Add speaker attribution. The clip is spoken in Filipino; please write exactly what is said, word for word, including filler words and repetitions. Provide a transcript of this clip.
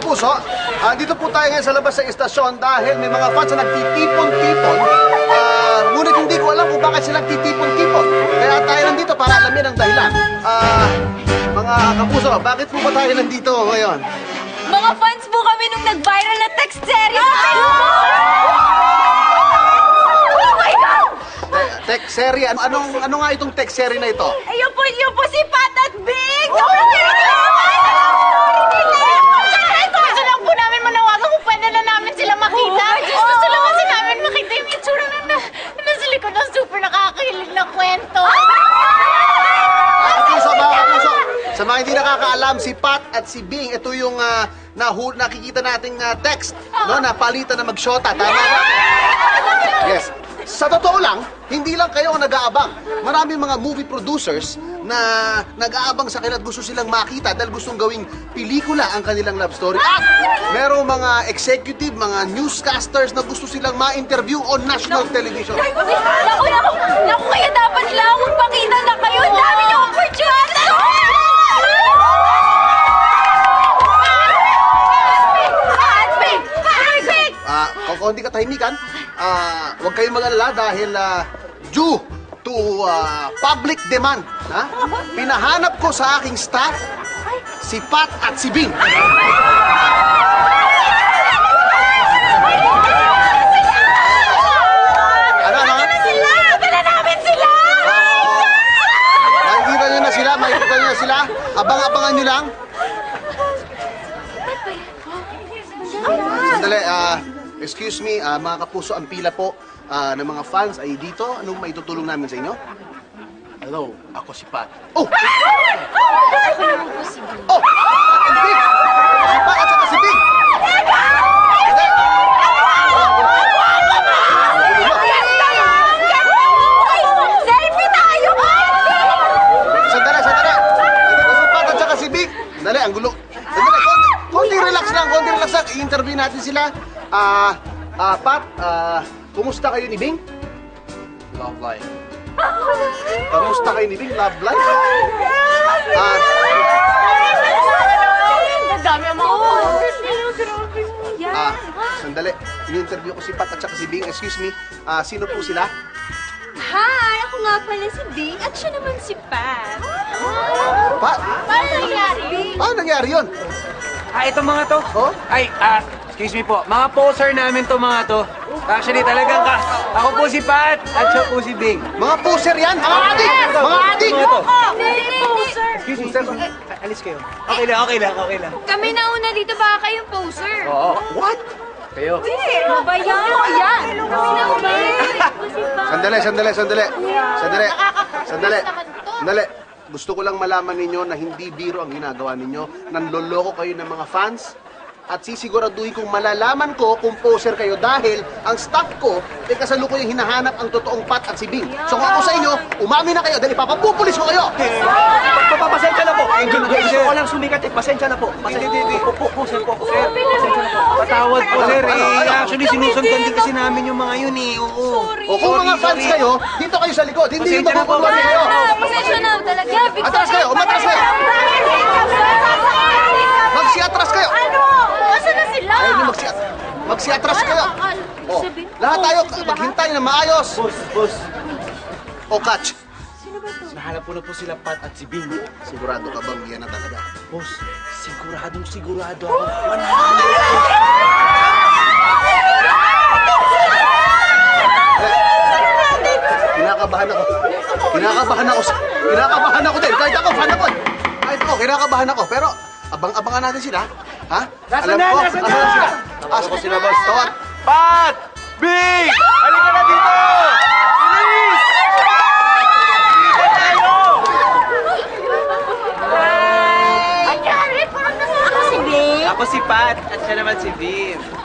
Speaker 1: kapuso, uh, dito po tayo ngayon sa labas ng istasyon dahil may mga fans na nagtitipon-tipon. Uh, ngunit hindi ko alam kung bakit sila nagtitipon-tipon. Kaya tayo nandito para alamin ang dahilan. Uh, mga kapuso, bakit po ba tayo nandito ngayon?
Speaker 2: Mga fans po kami nung nag-viral na text series sa Facebook! Oh my God!
Speaker 1: Text serie? Ano, anong, ano nga itong text serie na ito?
Speaker 2: Ayun po, yun po si Pat at Big! Sobrang nilalaman!
Speaker 3: Gusto lang po namin manawagan kung pwede na namin sila makita. Gusto lang kasi namin makita yung itsura na, na, na nasa likod ng super nakakahilig na kwento.
Speaker 1: Mga kapuso, mga kapuso, sa mga hindi nakakaalam, si Pat at si Bing, ito yung uh, nahu nakikita nating uh, text, no, na palitan na mag-shota. Tama ba? Yes. Sa totoo lang, hindi lang kayo ang nag-aabang. Maraming mga movie producers na nag-aabang sa kanila at gusto silang makita dahil gustong gawing pelikula ang kanilang love story. At merong mga executive, mga newscasters na gusto silang ma-interview on national television.
Speaker 2: Naku, naku, naku, kaya dapat lang magpakita na kayo. Ang dami niyong opportunity!
Speaker 1: Ah, uh, kung hindi ka tahimikan, ah, uh, huwag kayong mag-alala dahil uh, due to uh, public demand, ha? Pinahanap ko sa aking staff si Pat at si Bing. Ano, ano?
Speaker 3: Sila! Dala namin sila!
Speaker 1: Makikita nyo na sila, makikita nyo na sila. Abang-abangan nyo lang. Sandali, ah... Uh, Excuse me, uh, mga kapuso, ang pila po uh, ng mga fans ay dito. Anong maitutulong namin sa inyo?
Speaker 4: Hello, ako si Pat.
Speaker 1: Oh!
Speaker 2: Ako naman po si Bing.
Speaker 1: Oh! Pat and Bing! Si Pat at saka si Bing!
Speaker 2: Selfie tayo!
Speaker 1: Sandali, sandali! Ito ko si Pat at saka si Bing! Sandali, ang gulo. Sandali, konti, konti relax lang, konti relax lang. I-interview natin sila. Ah, uh, uh, Pat, ah, uh, kumusta kayo ni Bing?
Speaker 4: Love life.
Speaker 1: Kumusta kayo ni Bing? Love life? Ah,
Speaker 3: Ang dami ang mga followers nila. Grabe.
Speaker 1: ah, sandali. In-interview ko si Pat at saka si Bing. Excuse me, ah, sino po sila?
Speaker 2: Hi! Ako nga pala si Bing at siya naman si Pat.
Speaker 1: Pat?
Speaker 3: Paano nangyari?
Speaker 1: Paano nangyari yun?
Speaker 5: Ah, ito mga to.
Speaker 1: Oh?
Speaker 5: Ay, ah, excuse me po. Mga poser namin to mga to. Actually, talagang ka. Ako po si Pat at siya po si Bing.
Speaker 1: Mga poser yan? Mga adik! Mga adik!
Speaker 5: Mga to.
Speaker 2: Hindi, poser!
Speaker 5: Excuse me, sir. Eh, alis kayo. Okay lang, okay lang, okay lang.
Speaker 2: Kami na una dito, baka kayong poser.
Speaker 5: Oo.
Speaker 1: What?
Speaker 5: Kayo.
Speaker 2: Ano ba yan? Ano ba yan? Kami na una.
Speaker 1: Sandali, sandali, sandali. Sandali. Sandali. Sandali. Gusto ko lang malaman ninyo na hindi biro ang ginagawa ninyo. Nanloloko kayo ng mga fans. At sisiguraduhin kong malalaman ko kung poser kayo dahil ang staff ko ay kasalukuyang hinahanap ang totoong Pat at si Bing. So kung ako sa inyo, umamin na kayo dahil ipapapupulis ko kayo.
Speaker 5: Papapasensya na po. Gusto ko lang sumikat eh. Pasensya na po. Pasensya na po. Po, sir po. Sir, pasensya na po. Patawad po, sir. Eh, actually, sinusundan din kasi namin yung mga yun eh. Oo.
Speaker 1: O kung mga fans kayo, dito kayo sa likod. Hindi yung
Speaker 5: Pasensya na po.
Speaker 1: makukuluan kayo.
Speaker 2: Pasensya na talaga.
Speaker 1: Atras kayo, umatras kayo. Magsi-atras kayo.
Speaker 3: Ano? Asa na sila?
Speaker 1: Ayaw nyo magsi magsi-atras kayo. O, lahat tayo maghintay na maayos.
Speaker 4: Boss, boss.
Speaker 1: O, catch.
Speaker 4: Nahanap ko na po sila Pat at si Bing.
Speaker 1: Sigurado ka bang yan na talaga?
Speaker 4: Boss, siguradong sigurado ako. one hundred
Speaker 1: Kinakabahan ako. Kinakabahan ako. Kinakabahan ako din. Kahit ako, fan ako. Kahit ako, kinakabahan ako. Pero, abang-abangan natin sila. Ha?
Speaker 5: Nasaan
Speaker 1: Alam
Speaker 5: na?
Speaker 1: ko,
Speaker 5: Nasaan
Speaker 1: asan
Speaker 5: na?
Speaker 1: sila? Asa ko sila, boss? Tawag.
Speaker 5: Pat! Bing! Halika na dito! Bilis! Bilis tayo!
Speaker 3: Nangyari? Parang nasa ako si Bing.
Speaker 5: Ako si Pat at siya naman si Bing.